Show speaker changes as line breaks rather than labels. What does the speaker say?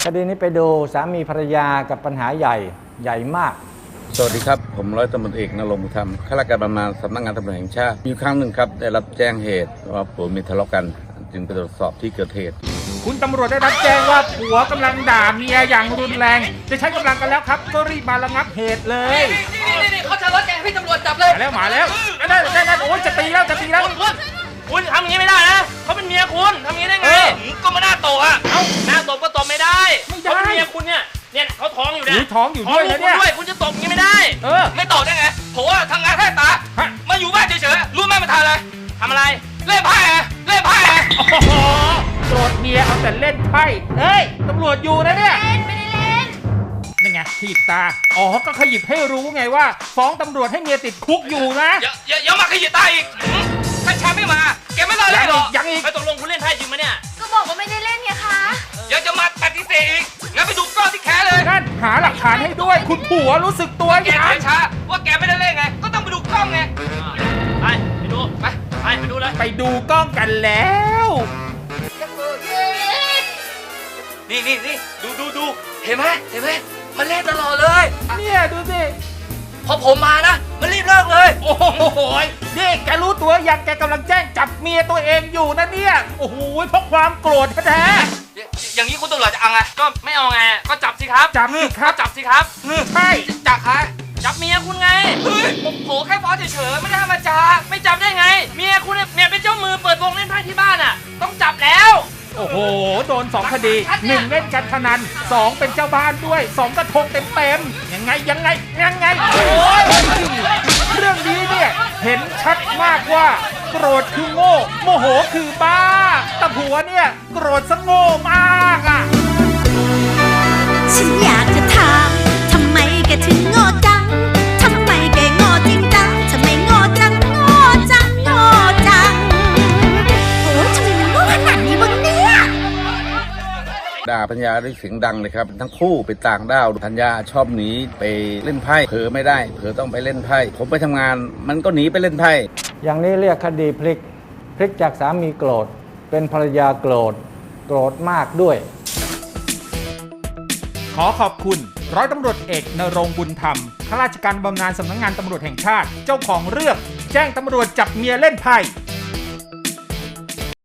คดีนี้ไปดูสามีภรรยากับปัญหาใหญ่มาก
สวัสดีครับผมร้อยตำรวจเอกณรงค์บุญธรรมข้าราชการบำนาญสำนักงานตำรวจแห่งชาติมีครั้งหนึ่งครับได้รับแจ้งเหตุว่าผัวเมียทะเลาะกันจึงไปตรวจสอบที่เกิดเหตุ
คุณตำรวจได้รับแจ้งว่าผัวกำลังด่าเมียอย่างรุนแรงจะใช้กำลังกันแล้วครับก็รีบมาระงับเหตุเลย
นี่เขาจะรถแกพี่ตำรวจจับเลย
มาแล้วนั่นโอ้ยจะตีแล้ว
คุณทำอย่างนี้ไม่ได้นะเขาเป็นเมียคุณทำอย่างนี้ได้ไงก็มาหน้าโตอ่ะหน้าโตก็ตบไม่ได้เขาเป็นเมียคุณเนี่ยเขาท้องอยู่เนี่ย
ท้องอยู่ด้วยนะเนี่ย
คุณจะตบอย่างนี้ไม่ได้ไม่ตบได้ไงผมว่าทำงานแค่ตามาอยู่บ้านเฉยๆรู้ไหมมาทำอะไรทำอะไรเล่นไพ่โ
อ้โหโกรธเมียเอาแต่เล่นไพ่เฮ้ยตำรวจอยู่นะเนี่ย
ไม่ได้เล่น
นี่ไงขีดตาก็ขยิบให้รู้ไงว่าฟ้องตำรวจให้เมียติดคุกอยู่นะ
อย่ามาขยิบตาอีกถ้าแชมป์ไม่มาแกไม่รอเลยหรอ
ยังอีก
ไปตกลงคุณเล่นไพ่จริงไหมเนี่ย
ก็บอกว่าไม่ได้เล่นไงคะ
อย่าจะมาปฏิเสธอีกงั้นไปดูกล้องที่แขนเลย
นั่นหาหลักฐานให้ด้วยคุณผัวรู้สึกตัว
แกช้าว่าแกไม่ได้เล่นไงก็ต้องไปดูกล้องไงไปดูไปดูเลย
ไปดูกล้องกันแล้ว
นี่ดูเห็นไหมมันเล่นตลอดเลย
เนี่ยดูสิ
พอผมมานะมันรีบเลิกเลย
โอ้โหนี่แกรู้ตัวยังแกกำลังแจ้งจับเมียตัวเองอยู่นะเนี่ยโอ้โหเพราะความโกรธแท้
อย่างนี้คุณตำรวจจะเอาไงก็ไม่เอาไงก็จับสิครับ
จับสิครับ
จับสิครับ
ใช่
จับใครจับเมียคุณไงเฮ้ยผมโผล่แค่ฟ้องเฉยๆไม่ได้ทำมาจับไม่จับได้ไงเมียคุณเนี่ยเป็นเจ้ามือเปิดวงเล่นไพ่ที่บ้านอ่ะต้องจับแล้ว
โอ้โหโดน2คดี1เล่นการพนัน2เป็นเจ้าบ้านด้วย2กระทงเต็มยังไงโอ้ยเรื่องนี้เนี่ยเห็นชัดมากว่าโกรธคือโง่โมโหคือบ้าแต่ผัวเนี่ยโกรธซะโง่มากอ่ะ
ฉันอยากจะถามทำไมแกถึงโง่จังทำไมแกโง่จริงจังทำไมโง่จังโอ้ทำไมมันโง่ขนาดนี้วะเนี่ย
ด่าปัญญาด้วยเสียงดังเลยครับทั้งคู่ไปต่างด้าวปัญญาชอบหนีไปเล่นไพ่เผลอไม่ได้เผลอต้องไปเล่นไพ่ผมไปทำงานมันก็หนีไปเล่นไพ่
อย่างนี้เรียกคดีพลิกจากสามีโกรธเป็นภรรยาโกรธมากด้วย
ขอขอบคุณร้อยตำรวจเอกณรงค์บุญธรรมข้าราชการบำนาญสำนักงานตำรวจแห่งชาติเจ้าของเรื่องแจ้งตำรวจจับเมียเล่นไพ่